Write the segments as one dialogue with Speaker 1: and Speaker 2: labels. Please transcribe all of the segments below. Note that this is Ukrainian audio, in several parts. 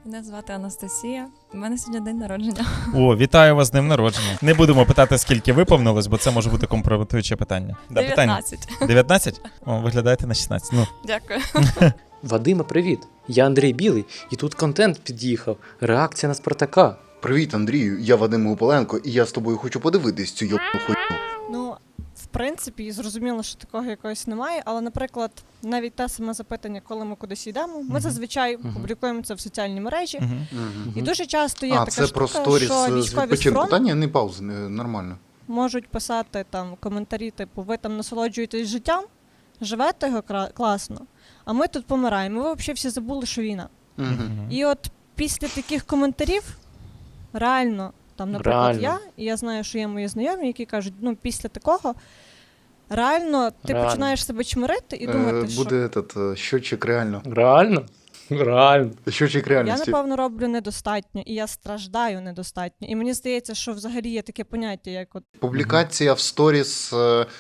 Speaker 1: Мене звати Анастасія. У мене сьогодні день народження.
Speaker 2: О, вітаю вас з днем народження. Не будемо питати, скільки виповнилось, бо це може бути компрометуюче питання.
Speaker 1: 19.
Speaker 2: 19? О, виглядаєте на 16. Ну,
Speaker 1: Дякую.
Speaker 3: Вадиме, привіт! Я Андрій Білий, і тут контент під'їхав. Реакція на Спартака.
Speaker 4: Привіт, Андрію, я Вадим Гупаленко, і я з тобою хочу подивитись цю йобну хуйню.
Speaker 5: Ну, в принципі, зрозуміло, що такого якогось немає, але, наприклад, навіть те саме запитання, коли ми кудись йдемо, ми зазвичай публікуємо це в соціальній мережі, і дуже часто є така
Speaker 4: це
Speaker 5: штука,
Speaker 4: про сторіс
Speaker 5: що
Speaker 4: з
Speaker 5: військові з
Speaker 4: відпочинку.
Speaker 5: фронту
Speaker 4: Та ні, не паузи, нормально.
Speaker 5: можуть писати там коментарі, типу, ви там насолоджуєтесь життям, живете його класно, а ми тут помираємо. Ви взагалі всі забули, що війна. І от після таких коментарів, реально, там, наприклад, я знаю, що є мої знайомі, які кажуть, ну, після такого, реально, ти починаєш себе чмирити і думати, що...
Speaker 4: Буде щотчик реально.
Speaker 3: Реально? Реально.
Speaker 4: Щотчик
Speaker 5: Я,
Speaker 4: реальності.
Speaker 5: напевно, роблю недостатньо, і я страждаю недостатньо. І мені здається, що взагалі є таке поняття, як от...
Speaker 4: Публікація в сторіс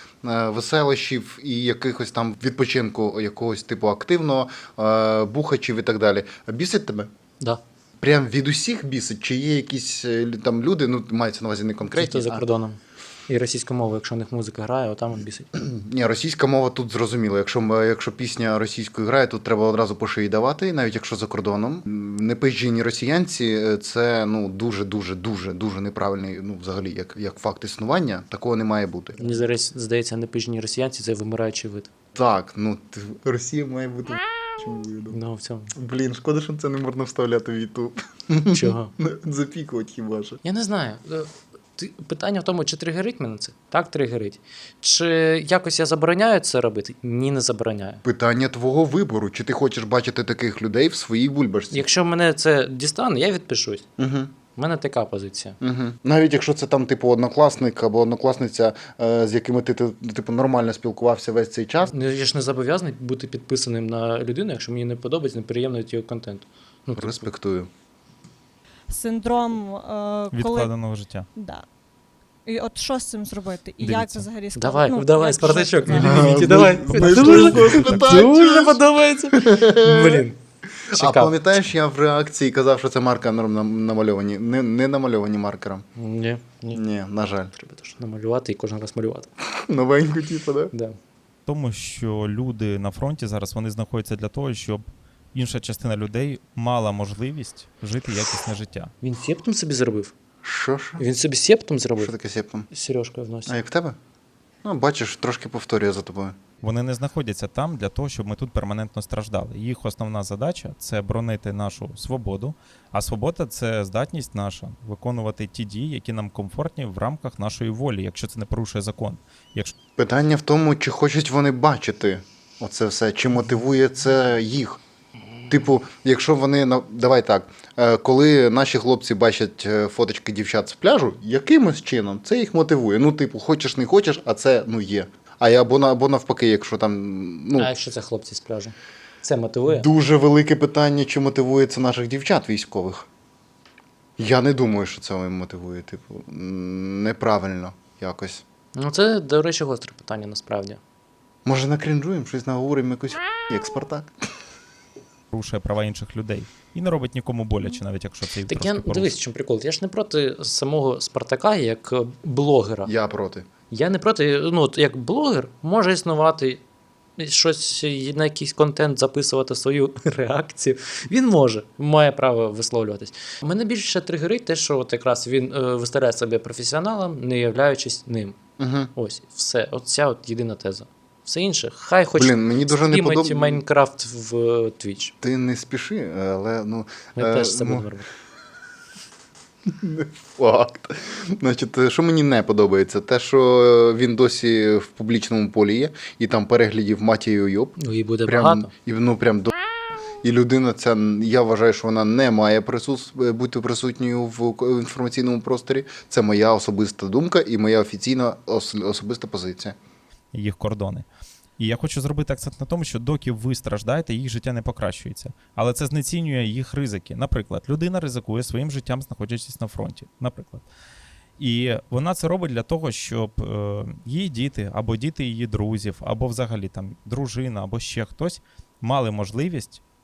Speaker 4: веселощів і якихось там відпочинку якогось типу активного, бухачів і так далі. Бісить тебе?
Speaker 3: Да.
Speaker 4: Прям від усіх бісить? Чи є якісь там люди, ну, мається на увазі не
Speaker 3: Ті,
Speaker 4: конкретні,
Speaker 3: хто за кордоном. І російська мова, якщо в них музика грає, отам от бісить.
Speaker 4: Ні, російська мова тут зрозуміло. Якщо пісня російською грає, тут треба одразу по шиї давати, навіть якщо за кордоном. Непизджені росіянці – це дуже неправильний, ну, взагалі, як факт існування. Такого не має бути.
Speaker 3: Мені зараз здається, непижні росіянці – це вимираючий вид.
Speaker 4: Так, ну, Росія має бути чому виду.
Speaker 3: Ну, в цьому.
Speaker 4: Блін, шкода, що це не можна вставляти в YouTube.
Speaker 3: Чого?
Speaker 4: Запікувати хіба що.
Speaker 3: Я не знаю. Питання в тому, чи тригерить мене це? Так, тригерить. Чи якось я забороняю це робити? Ні, не забороняю.
Speaker 4: Питання твого вибору. Чи ти хочеш бачити таких людей в своїй бульбашці?
Speaker 3: Якщо мене це дістане, я відпишусь.
Speaker 4: Угу.
Speaker 3: У мене така позиція.
Speaker 4: Угу. Навіть якщо це там, типу, однокласник або однокласниця, з якими ти, типу, нормально спілкувався весь цей час.
Speaker 3: Ну, я ж не зобов'язаний бути підписаним на людину, якщо мені не подобається, неприємно його контент. Ну,
Speaker 4: Респектую.
Speaker 5: Синдром, коли...
Speaker 2: відкладеного життя.
Speaker 5: Да. І от що з цим зробити? І
Speaker 2: Дивіться.
Speaker 5: як це взагалі сказати?
Speaker 3: Давай,
Speaker 5: як
Speaker 3: Спартачок,
Speaker 5: жити
Speaker 3: не
Speaker 5: зараз?
Speaker 3: ліміті, давай. Дуже подобається. Блін.
Speaker 4: А
Speaker 3: Чекав.
Speaker 4: пам'ятаєш, я в реакції казав, що це маркером намальовані. Не намальовані маркером.
Speaker 3: Ні.
Speaker 4: Ні, на жаль.
Speaker 3: Треба теж намалювати і кожен раз малювати.
Speaker 4: Новеньку, типу, да?
Speaker 3: Да.
Speaker 2: Тому що люди на фронті зараз вони знаходяться для того, щоб інша частина людей мала можливість жити якісне життя.
Speaker 3: Він септом собі зробив?
Speaker 4: Що?
Speaker 3: Він собі септом
Speaker 4: Що
Speaker 3: зробив?
Speaker 4: таке септом?
Speaker 3: З Сережкою в носі.
Speaker 4: А як в тебе? Ну, бачиш, трошки повторюю за тобою.
Speaker 2: Вони не знаходяться там для того, щоб ми тут перманентно страждали. Їх основна задача – це боронити нашу свободу, а свобода – це здатність наша виконувати ті дії, які нам комфортні в рамках нашої волі, якщо це не порушує закон. Якщо
Speaker 4: Питання в тому, чи хочуть вони бачити оце все, чи мотивує це їх. Типу, якщо вони, давай так, коли наші хлопці бачать фоточки дівчат з пляжу, якимось чином це їх мотивує. Ну, типу, хочеш не хочеш, а це, ну, є. Або навпаки, якщо там, ну,
Speaker 3: А якщо це хлопці з пляжу? Це мотивує?
Speaker 4: дуже велике питання, чи мотивує це наших дівчат військових. Я не думаю, що це мотивує, типу, неправильно якось.
Speaker 3: Ну це, до речі, гостре питання насправді.
Speaker 4: Може, накрінжуємо, щось наговоримо, якусь як Спартак.
Speaker 2: порушує права інших людей і не робить нікому боляче, навіть якщо це і
Speaker 3: Так
Speaker 2: трошки
Speaker 3: я,
Speaker 2: порушує.
Speaker 3: дивись, в чому прикол. Я ж не проти самого Спартака як блогера.
Speaker 4: Я проти.
Speaker 3: Я не проти, ну, от як блогер може існувати, щось на якийсь контент записувати свою реакцію. Він має право висловлюватись. Мене більше тригерить те, що от якраз він виставляє себе професіоналом, не являючись ним.
Speaker 4: Угу.
Speaker 3: Ось, все. Оця от єдина теза. Все інше, хай хоч
Speaker 4: Блін, мені дуже не
Speaker 3: стрімить
Speaker 4: подобається.
Speaker 3: Майнкрафт в Twitch.
Speaker 4: Ти не спіши, але, ну...
Speaker 3: Ми теж це будемо робити.
Speaker 4: Факт. Значить, що мені не подобається, те, що він досі в публічному полі є, і там переглядів матію йоб.
Speaker 3: Ну і буде
Speaker 4: Прям,
Speaker 3: багато.
Speaker 4: і, ну, прям до... І людина ця, я вважаю, що вона не має бути присутньою в інформаційному просторі. Це моя особиста думка і моя офіційна особиста позиція.
Speaker 2: Їх кордони. І я хочу зробити акцент на тому, що доки ви страждаєте, їх життя не покращується. Але це знецінює їх ризики. Наприклад, людина ризикує своїм життям, знаходячись на фронті. Наприклад. І вона це робить для того, щоб її діти, або діти її друзів, або взагалі там дружина, або ще хтось мали можливість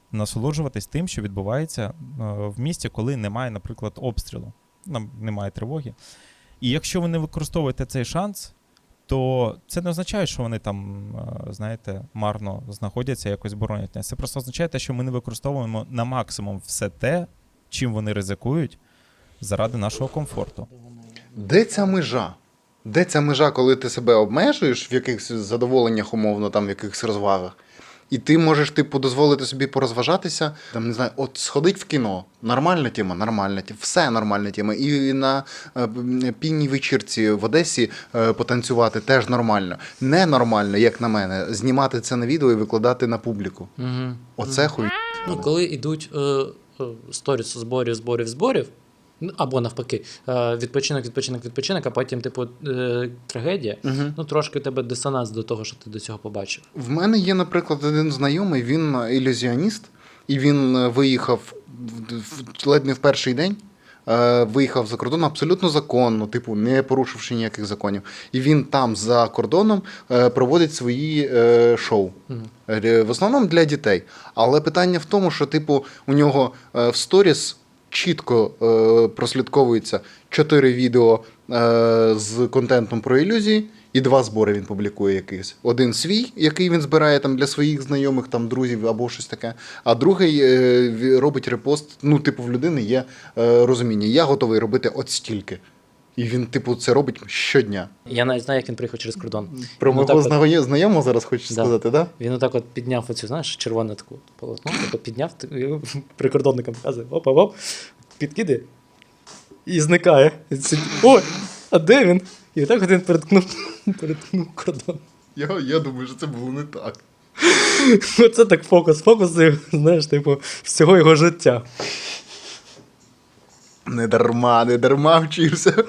Speaker 2: насолоджуватись тим, що відбувається в місті, коли немає, наприклад, обстрілу, немає тривоги. І якщо ви не використовуєте цей шанс, то це не означає, що вони там, знаєте, марно знаходяться, якось боронять нас. Це просто означає те, що ми не використовуємо на максимум все те, чим вони ризикують заради нашого комфорту.
Speaker 4: Де ця межа? Де ця межа, коли ти себе обмежуєш в якихось задоволеннях, умовно, там, в якихось розвагах, і ти можеш, типу, дозволити собі порозважатися, там, не знаю, от сходить в кіно. Нормальна тема, нормальна тема, все нормальна тема. І на пінній вечірці в Одесі потанцювати теж нормально. Ненормально, як на мене, знімати це на відео і викладати на публіку.
Speaker 3: Угу.
Speaker 4: Оце хуй.
Speaker 3: Ну, коли йдуть сторіс зборів, ну, або навпаки, відпочинок, а потім, типу, трагедія, ну, трошки у тебе дисонанс до того, що ти до цього побачив.
Speaker 4: В мене є, наприклад, один знайомий, він ілюзіоніст, і він виїхав ледь не в перший день, виїхав за кордон абсолютно законно, типу, не порушивши ніяких законів. І він там, за кордоном, проводить свої шоу. В основному для дітей. Але питання в тому, що, типу, у нього в сторіс чітко прослідковується 4 відео з контентом про ілюзії, і 2 збори він публікує якийсь. Один свій, який він збирає там для своїх знайомих, там, друзів або щось таке, а другий робить репост. Ну, типу, в людини є розуміння. Я готовий робити от стільки. І він, типу, це робить щодня.
Speaker 3: Я навіть знаю, як він приїхав через кордон.
Speaker 4: Про
Speaker 3: Він
Speaker 4: мого
Speaker 3: отак
Speaker 4: знайомого зараз хочеш сказати, так?
Speaker 3: Він отак от підняв оцю, знаєш, червону таку полотно, так от підняв, прикордонникам показує, оп, підкидає і зникає. І сидить, ой, а де він? І так от він переткнув кордон.
Speaker 4: Я думаю, що це було не так.
Speaker 3: Оце так фокус, знаєш, типу, всього його життя.
Speaker 4: Не дарма вчився.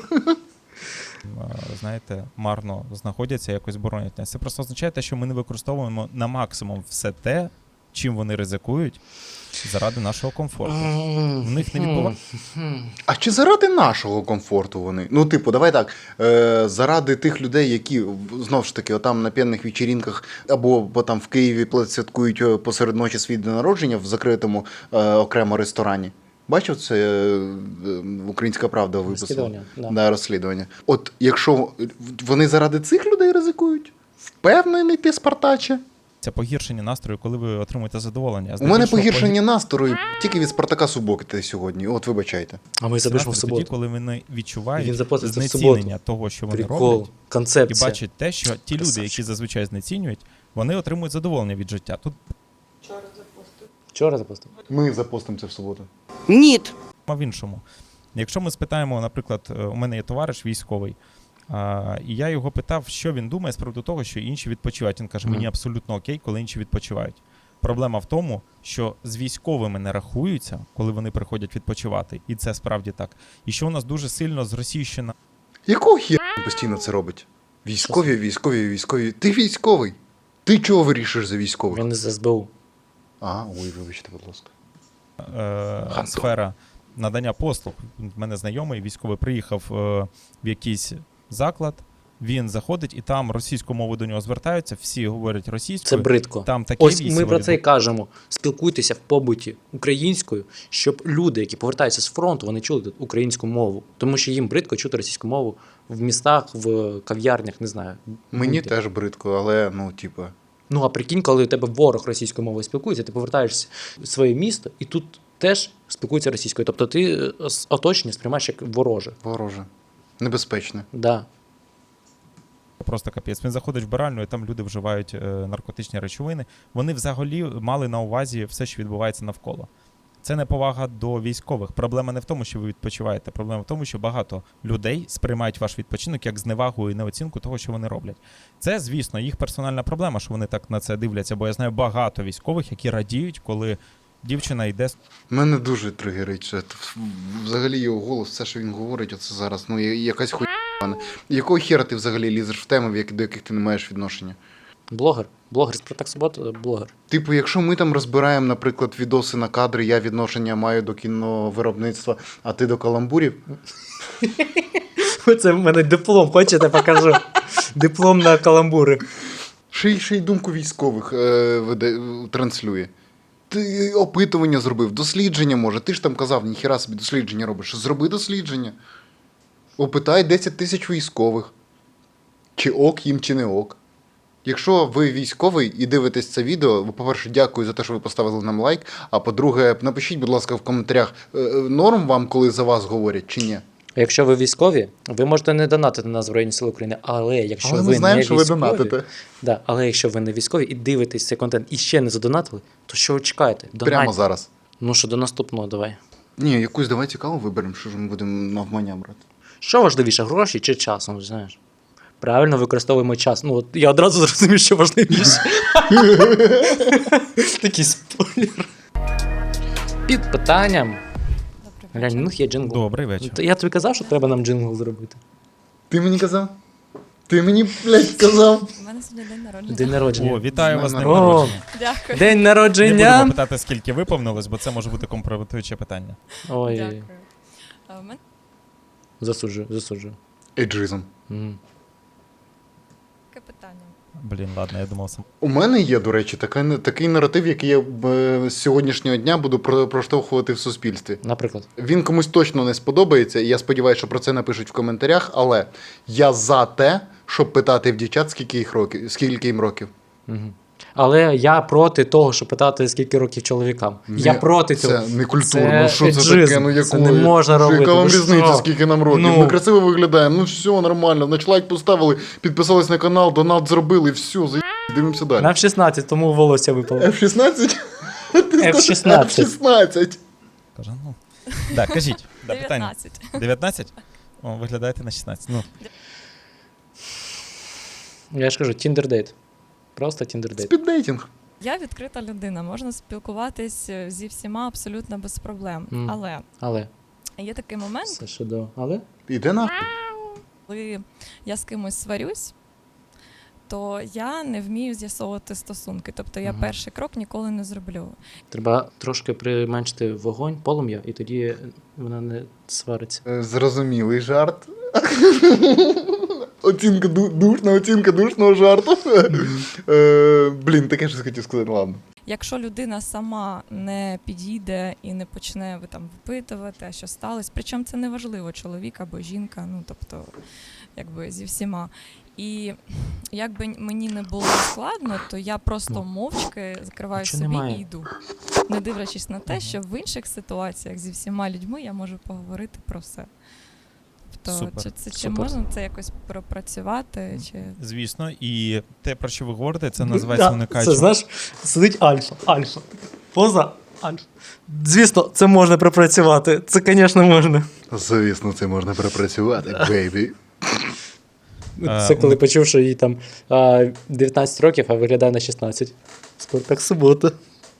Speaker 2: Знаєте, марно знаходяться, якось боронять нас. Це просто означає те, що ми не використовуємо на максимум все те, чим вони ризикують заради нашого комфорту. В них не відбувається.
Speaker 4: А чи заради нашого комфорту вони? Ну, типу, давай так, заради тих людей, які, знову ж таки, отам на п'яних вечірінках або там в Києві святкують посеред ночі свій день народження в закритому окремо ресторані. Бачив це «Українська правда» виписала?
Speaker 3: Розслідування, да.
Speaker 4: Да, розслідування. От якщо вони заради цих людей ризикують, впевнений ти, Спартаче?
Speaker 2: Це погіршення настрою, коли ви отримуєте задоволення.
Speaker 4: У мене погіршення настрою тільки від Спартака Суботи сьогодні. От вибачайте.
Speaker 3: А ми запишемо в
Speaker 2: тоді,
Speaker 3: суботу.
Speaker 2: коли вони
Speaker 3: Він
Speaker 2: відчувають
Speaker 3: запоститься в
Speaker 2: знецінення
Speaker 3: суботу.
Speaker 2: того, що вони
Speaker 3: Прикол,
Speaker 2: роблять, і
Speaker 3: концепція.
Speaker 2: бачать те, що ті люди,
Speaker 3: Красавчик.
Speaker 2: які зазвичай знецінюють, вони отримують задоволення від життя. Тут
Speaker 3: Вчора запостив.
Speaker 4: Ми запостимо це в суботу.
Speaker 6: Нет.
Speaker 2: в іншому. Якщо ми спитаємо, наприклад, у мене є товариш військовий, і я його питав, що він думає з приводу того, що інші відпочивають. Він каже, мені абсолютно окей, коли інші відпочивають. Проблема в тому, що з військовими не рахуються, коли вони приходять відпочивати. І це справді так. І що у нас дуже сильно зросійщена
Speaker 4: Якого хіра він постійно це робить? Військові. Ти військовий. Ти чого вирішуєш за військових?
Speaker 3: Він з СБУ.
Speaker 4: Ой, вибачте, будь ласка.
Speaker 2: сфера надання послуг. У мене знайомий військовий приїхав в якийсь заклад, він заходить, і там російською мовою до нього звертаються, всі говорять російською.
Speaker 3: Це бридко.
Speaker 2: Там такі
Speaker 3: Ось
Speaker 2: військові
Speaker 3: ми про це і кажемо. Спілкуйтеся в побуті українською, щоб люди, які повертаються з фронту, вони чули тут українську мову. Тому що їм бридко чути російську мову в містах, в кав'ярнях, не знаю.
Speaker 4: Мені
Speaker 3: будь-де.
Speaker 4: теж бридко, але, ну, типа.
Speaker 3: Ну, а прикинь, коли у тебе ворог російською мовою спілкується, ти повертаєшся в своє місто, і тут теж спілкуються російською. Тобто ти оточення сприймаєш як вороже.
Speaker 4: Вороже. Небезпечне.
Speaker 3: Да.
Speaker 2: Просто капець. Він заходить в вбиральню, і там люди вживають наркотичні речовини. Вони взагалі мали на увазі все, що відбувається навколо. Це неповага до військових. Проблема не в тому, що ви відпочиваєте. Проблема в тому, що багато людей сприймають ваш відпочинок як зневагу і неоцінку того, що вони роблять. Це, звісно, їх персональна проблема, що вони так на це дивляться, бо я знаю багато військових, які радіють, коли дівчина йде.
Speaker 4: Мене дуже тригерить. Що взагалі його голос, все, що він говорить, оце зараз, ну, якась хуйня. Якого хера ти взагалі лізеш в теми, до яких ти не маєш відношення?
Speaker 3: Блогер. Блогер Спартак Субота, блогер.
Speaker 4: Типу, якщо ми там розбираємо, наприклад, відоси на кадри, я відношення маю до кіновиробництва, а ти до каламбурів.
Speaker 3: Це в мене диплом, хочете, покажу. Диплом на каламбури.
Speaker 4: Ще й думку військових транслює. Ти опитування зробив, дослідження може. Ти ж там казав, ніхіра собі дослідження робиш. Зроби дослідження. Опитай 10 тисяч військових. Чи ок їм, чи не ок. Якщо ви військовий і дивитесь це відео, по-перше, дякую за те, що ви поставили нам лайк. А по-друге, напишіть, будь ласка, в коментарях, норм вам, коли за вас говорять, чи ні.
Speaker 3: А якщо ви військові, ви можете не донатити на Збройні Сили України, але якщо
Speaker 4: Але
Speaker 3: ви
Speaker 4: ми знаємо,
Speaker 3: не
Speaker 4: що ви
Speaker 3: військові,
Speaker 4: донатите.
Speaker 3: да, але якщо ви не військові і дивитесь цей контент і ще не задонатили, то що ви чекаєте?
Speaker 4: Прямо
Speaker 3: Донатьте.
Speaker 4: зараз.
Speaker 3: Ну що, до наступного давай.
Speaker 4: Ні, якусь давай цікаву виберемо, що ж ми будемо навмання брати.
Speaker 3: Що важливіше, гроші чи час? Ну, знаєш. Правильно використовуємо час. Ну, от я одразу зрозумів, що важливіше. Такий спойлер. Під питанням.
Speaker 1: Добрий
Speaker 3: Глянь,
Speaker 1: вечір.
Speaker 3: у них є джингл.
Speaker 2: Добрий вечір.
Speaker 3: Я тобі казав, що треба нам джингл зробити.
Speaker 4: Ти мені казав? Ти мені, блядь, сказав?
Speaker 1: У мене сьогодні день народження.
Speaker 3: День народження.
Speaker 2: О, вітаю вас з днем
Speaker 3: О,
Speaker 2: народження.
Speaker 1: Дякую.
Speaker 3: День
Speaker 2: Не
Speaker 3: народження.
Speaker 2: будемо питати, скільки виповнилось, бо це може бути компрометуюче питання.
Speaker 3: Ой,
Speaker 1: Дякую. А в мене
Speaker 3: засуджую.
Speaker 4: Еджизм.
Speaker 3: Мгм.
Speaker 1: таке питання.
Speaker 2: Блін, ладно, я думав сам.
Speaker 4: У мене є, до речі, такий наратив, який я з сьогоднішнього дня буду проштовхувати в суспільстві.
Speaker 3: Наприклад.
Speaker 4: Він комусь точно не сподобається, і я сподіваюся, що про це напишуть в коментарях, але я за те, щоб питати в дівчат, скільки їм років.
Speaker 3: Мгм. Але я проти того, щоб питати, скільки років чоловікам. Я проти цього.
Speaker 4: Це не культурно.
Speaker 3: Це
Speaker 4: Що це
Speaker 3: еджизм.
Speaker 4: таке? Ну, якої?
Speaker 3: Це не можна робити.
Speaker 4: Яка вам
Speaker 3: Ви
Speaker 4: різниця,
Speaker 3: що?
Speaker 4: скільки нам років?
Speaker 3: Ну.
Speaker 4: Ми красиво виглядаємо, ну все, нормально. Значить, лайк поставили, підписались на канал, донат зробили, все, дивимося далі.
Speaker 3: Нам 16, тому волосся випало.
Speaker 4: F16?
Speaker 3: F16.
Speaker 4: F16.
Speaker 2: Каже, ну. Так, кажіть. Да, питання.
Speaker 1: 19.
Speaker 2: 19? О, виглядаєте на 16. Ну,
Speaker 3: Я ж кажу, тіндер-дейт. Просто тіндер-дейт.
Speaker 4: Спіддейтинг.
Speaker 1: Я відкрита людина, можна спілкуватись зі всіма абсолютно без проблем.
Speaker 3: Мгм.
Speaker 1: Але
Speaker 3: Але.
Speaker 1: є такий момент,
Speaker 3: Все ще до. Але?
Speaker 4: Іде нахуй.
Speaker 1: коли я з кимось сварюсь, то я не вмію з'ясовувати стосунки. Тобто я
Speaker 3: Мгм.
Speaker 1: перший крок ніколи не зроблю.
Speaker 3: Треба трошки применшити вогонь, полум'я, і тоді вона не свариться.
Speaker 4: Зрозумілий жарт. Душна оцінка душного жарту. Блін, таке щось хотів сказати, ладно.
Speaker 1: Якщо людина сама не підійде і не почне там випитувати, а що сталося, причому це не важливо, чоловік або жінка, ну тобто, якби зі всіма. І якби мені не було складно, то я просто
Speaker 3: Ну,
Speaker 1: мовчки закриваю
Speaker 3: нічого
Speaker 1: собі
Speaker 3: немає.
Speaker 1: і йду. Не дивлячись на те, що в інших ситуаціях зі всіма людьми я можу поговорити про все. Тобто,
Speaker 2: Супер.
Speaker 1: чи
Speaker 3: Супер.
Speaker 1: можна це якось пропрацювати? Чи...
Speaker 2: звісно, і те, про що ви говорите, це називається
Speaker 3: Це,
Speaker 2: уникаючим.
Speaker 3: знаєш, сидить альфа. Поза альфа. Звісно, це можна пропрацювати. Це, звісно, можна.
Speaker 4: Звісно, це можна пропрацювати, бейбі.
Speaker 3: Це коли почув, що їй там 19 років, а виглядає на 16. Спартак субота.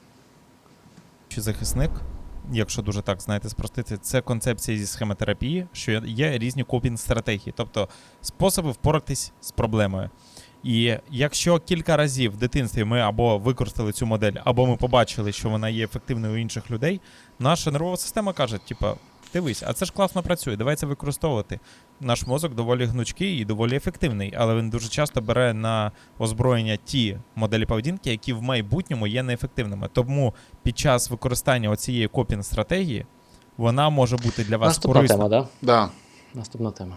Speaker 2: Чи захисник, якщо дуже так, знаєте, спростити, це концепція зі схемотерапії, що є різні копінг-стратегії, тобто способи впоратись з проблемою. І якщо кілька разів в дитинстві ми або використали цю модель, або ми побачили, що вона є ефективною у інших людей, наша нервова система каже, типа, дивись, а це ж класно працює, давай це використовувати. Наш мозок доволі гнучкий і доволі ефективний, але він дуже часто бере на озброєння ті моделі поведінки, які в майбутньому є неефективними. Тому під час використання оцієї копінг-стратегії вона може бути для вас
Speaker 3: Наступна
Speaker 2: корисною.
Speaker 3: тема, так?
Speaker 4: Да.
Speaker 3: Да? Наступна тема.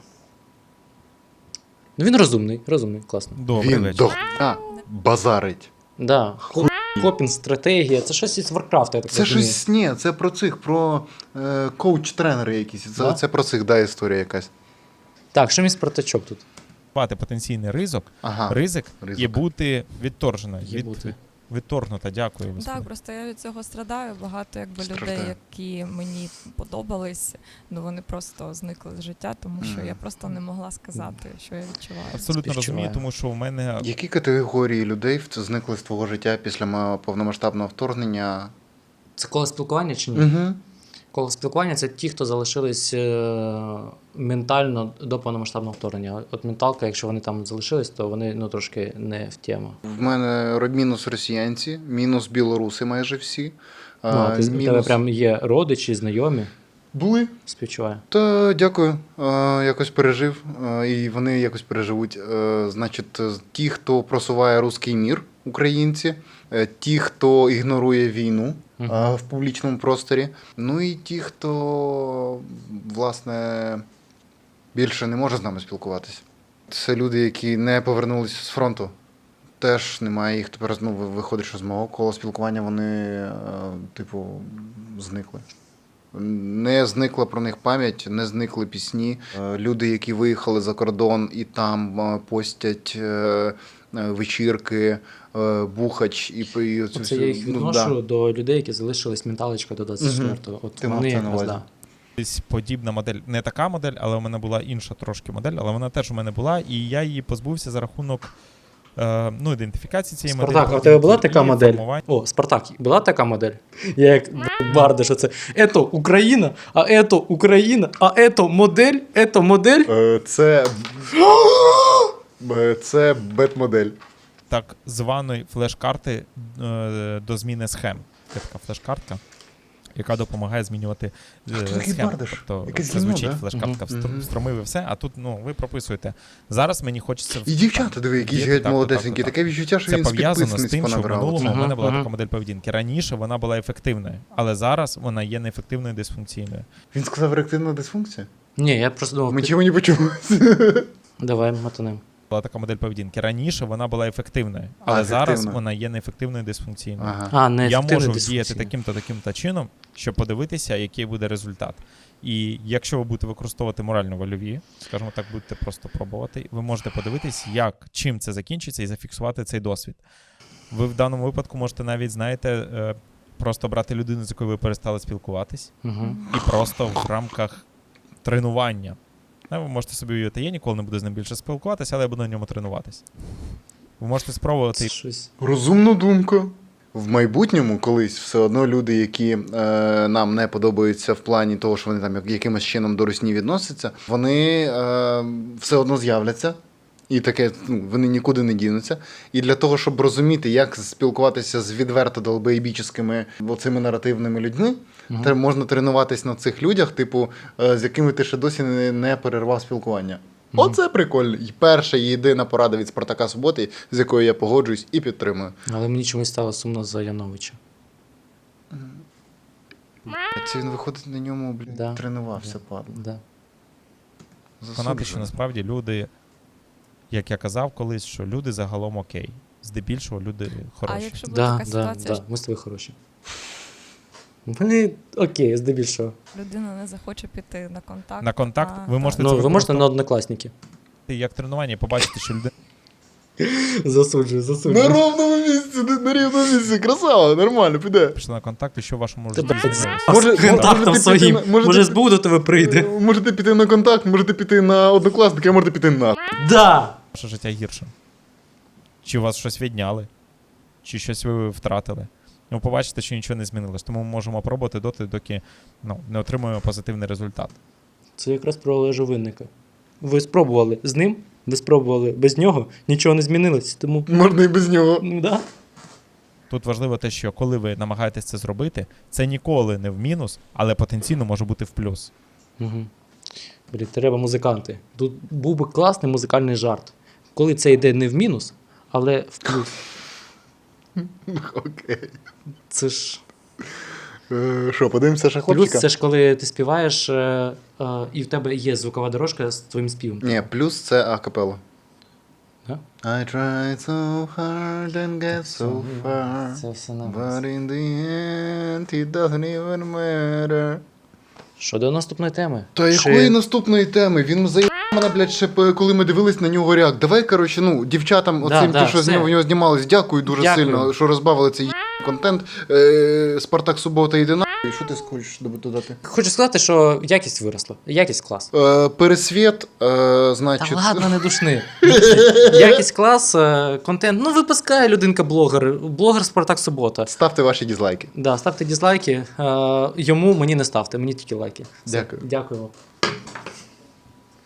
Speaker 3: Ну, він розумний, класно.
Speaker 2: Добрий
Speaker 4: Він
Speaker 2: вечір.
Speaker 4: до хуя базарить.
Speaker 3: Да. Копінг, стратегія, це щось із Варкрафта, я так
Speaker 4: Це
Speaker 3: розумію.
Speaker 4: щось, ні, це про коуч-тренери якісь.
Speaker 3: Да?
Speaker 4: Це про цих, да, історія якась.
Speaker 3: Так, що мій Спартачок тут?
Speaker 2: Мати потенційний ризик,
Speaker 4: Ага.
Speaker 2: ризик
Speaker 4: Ризик.
Speaker 2: і бути відторжено.
Speaker 3: Є бути.
Speaker 2: Відторгнута, дякую. Господи.
Speaker 1: Так, просто я від цього страдаю. Багато якби
Speaker 4: Страждаю.
Speaker 1: людей, які мені подобались, ну вони просто зникли з життя, тому що я просто не могла сказати, що я відчуваю.
Speaker 2: Абсолютно
Speaker 3: Співчуваю.
Speaker 2: розумію, тому що у мене
Speaker 4: Які категорії людей зникли з твого життя після повномасштабного вторгнення?
Speaker 3: Це коло спілкування чи ні?
Speaker 4: Угу.
Speaker 3: Коло спілкування це ті, хто залишились ментально до повномасштабного вторгнення. От менталка, якщо вони там залишились, то вони ну, трошки не в тему.
Speaker 4: В мене мінус росіянці, мінус білоруси майже всі.
Speaker 3: Ну, а ти, у тебе прям є родичі, знайомі,
Speaker 4: Були.
Speaker 3: співчуваю.
Speaker 4: Та дякую. Якось пережив. І вони якось переживуть. Значить, ті, хто просуває руський мір, українці, ті, хто ігнорує війну
Speaker 3: Мгм.
Speaker 4: в публічному просторі, ну і ті, хто, власне, більше не може з нами спілкуватися. Це люди, які не повернулися з фронту. Теж немає їх тепер, ну, виходить, що з мого кола спілкування вони, типу, зникли. Не зникла про них пам'ять, не зникли пісні. Люди, які виїхали за кордон і там постять вечірки, бухач і оцю
Speaker 3: Оце я їх
Speaker 4: ну,
Speaker 3: відношу до людей, які залишились менталочка до 24-го. От
Speaker 4: Ти мав
Speaker 3: вони
Speaker 4: це на
Speaker 3: якраз,
Speaker 4: увазі.
Speaker 3: да.
Speaker 2: Десь подібна модель, не така модель, але у мене була інша трошки модель, але вона теж у мене була, і я її позбувся за рахунок ідентифікації цієї моделі.
Speaker 3: Спартак, а в тебе була така
Speaker 2: і
Speaker 3: модель?
Speaker 2: формування.
Speaker 3: О, Спартак, була така модель? Я як барда, що це ето Україна, а ето Україна, а ето модель.
Speaker 4: Це бет-модель.
Speaker 2: Так званої флеш-карти до зміни схем. Це така флеш-картка, яка допомагає змінювати
Speaker 4: такий
Speaker 2: схеми.
Speaker 4: бардаш?
Speaker 2: Тобто
Speaker 4: Якесь
Speaker 2: це
Speaker 4: гімно,
Speaker 2: звучить
Speaker 4: да?
Speaker 2: флеш-картка,
Speaker 4: Мгм.
Speaker 2: встромив і все, а тут ви прописуєте. Зараз мені хочеться...
Speaker 4: І дівчата, диви, які
Speaker 2: Є
Speaker 4: сидять
Speaker 2: так,
Speaker 4: молодесенькі.
Speaker 2: так.
Speaker 4: Таке відчуття, що
Speaker 2: Це
Speaker 4: він з
Speaker 2: пов'язано з
Speaker 4: підписниць
Speaker 2: тим, що в
Speaker 4: понабирав.
Speaker 2: минулому у мене була
Speaker 3: Мгм.
Speaker 2: така модель поведінки. Раніше вона була ефективною, але зараз вона є неефективною дисфункційною.
Speaker 4: Він сказав реактивна дисфункція?
Speaker 3: Ні, я просто думав,
Speaker 4: Ми чого не почули.
Speaker 3: давай мотанем.
Speaker 2: Була така модель поведінки. Раніше вона була ефективною,
Speaker 4: А,
Speaker 2: але зараз
Speaker 4: ефективна.
Speaker 2: вона є неефективною дисфункційною.
Speaker 4: Ага.
Speaker 3: А, не
Speaker 2: Я
Speaker 3: ефективний
Speaker 2: можу діяти
Speaker 3: дисфункційний.
Speaker 2: таким-то чином, щоб подивитися, який буде результат. І якщо ви будете використовувати морально-вольові, скажімо так, будете просто пробувати, ви можете подивитись, чим це закінчиться, і зафіксувати цей досвід. Ви в даному випадку можете навіть, знаєте, просто брати людину, з якою ви перестали спілкуватись,
Speaker 3: Мгм.
Speaker 2: і просто в рамках тренування. Ви можете собі уявити, я ніколи не буду з ним більше спілкуватися, але я буду на ньому тренуватись. Ви можете спробувати.
Speaker 3: Це щось.
Speaker 4: Розумна думка. В майбутньому колись все одно люди, які нам не подобаються в плані того, що вони там якимось чином до русні відносяться, вони все одно з'являться. І таке, вони нікуди не дінуться. І для того, щоб розуміти, як спілкуватися з відверто долбоєбіческими оцими наративними людьми,
Speaker 3: Мгм.
Speaker 4: можна тренуватись на цих людях, типу, з якими ти ще досі не перервав спілкування. Оце прикольно. І перша і єдина порада від Спартака Суботи, з якою я погоджуюсь і підтримую.
Speaker 3: Але мені чомусь стало сумно за Яновича.
Speaker 4: Це він виходить на ньому,
Speaker 3: Да.
Speaker 4: тренувався,
Speaker 3: Да.
Speaker 4: падла.
Speaker 3: Да.
Speaker 2: Переконати, що насправді люди, як я казав колись, що люди загалом окей. Здебільшого люди хороші.
Speaker 1: А якщо буде
Speaker 3: Да,
Speaker 1: така ситуація,
Speaker 3: да, ми з тобою хороші. Вони окей, здебільшого.
Speaker 1: що людина не захоче піти на контакт.
Speaker 2: На контакт ви
Speaker 1: так.
Speaker 2: можете
Speaker 3: Ну,
Speaker 2: це
Speaker 3: ви можете на
Speaker 2: використовувати
Speaker 3: однокласники.
Speaker 2: як тренування і побачити, що людина
Speaker 3: Засуджую.
Speaker 4: На ровному місці, на рівному місці. Красава, нормально, піде.
Speaker 2: пішла на контакт, і що в вашому житті
Speaker 3: Тебе
Speaker 2: змінилося.
Speaker 4: Може,
Speaker 3: з контактом
Speaker 4: можете
Speaker 3: своїм.
Speaker 4: піти на-
Speaker 3: Може, СБУ до тебе прийде.
Speaker 4: Можете піти на контакт, можете піти на однокласника, а можете піти на.
Speaker 3: Да!
Speaker 2: Ваше життя гірше. Чи у вас щось відняли, чи щось ви втратили. Ви побачите, що нічого не змінилось. Тому ми можемо пробувати доки не отримуємо позитивний результат.
Speaker 3: Це якраз про Олежа Винника. Ви спробували з ним, ви спробували без нього, нічого не змінилось. Тому,
Speaker 4: Можна і без нього.
Speaker 3: ну да.
Speaker 2: Тут важливо те, що коли ви намагаєтесь це зробити, це ніколи не в мінус, але потенційно може бути в плюс.
Speaker 3: Угу. Блін, треба музиканти. Тут був би класний музикальний жарт. Коли це йде не в мінус, але в плюс.
Speaker 4: Окей.
Speaker 3: Це ж
Speaker 4: Що, подивимося ще
Speaker 3: плюс,
Speaker 4: хлопчика?
Speaker 3: це ж коли ти співаєш, і в тебе є звукова дорожка з твоїм співом.
Speaker 4: Ні, плюс це акапелла.
Speaker 3: Да?
Speaker 4: I tried so hard and get so far,
Speaker 3: Це все на
Speaker 4: but
Speaker 3: вас.
Speaker 4: in the end it doesn't even matter.
Speaker 3: Щодо наступної теми.
Speaker 4: Та
Speaker 3: Чи-
Speaker 4: якої наступної теми? Він заїбав мене, блядь, ще коли ми дивились на нього реак. Давай, коротше, дівчатам, оцим,
Speaker 3: да,
Speaker 4: ті, що з
Speaker 3: все.
Speaker 4: нього в нього знімались, дякую дуже
Speaker 3: Дякую.
Speaker 4: сильно, що розбавили цей контент. Спартак Субота йде на. І що ти хочеш додати?
Speaker 3: Хочу сказати, що якість виросла. Якість клас.
Speaker 4: Пересвіт,
Speaker 3: Та
Speaker 4: значить.
Speaker 3: ладно, не душни. Якість клас, контент. Ну, випускає людинка-блогер. Блогер Спартак Субота.
Speaker 4: Ставте ваші дізлайки.
Speaker 3: Да, ставте дізлайки. Йому, мені не ставте, мені тільки лайки. Все.
Speaker 4: Дякую.
Speaker 3: Дякую вам.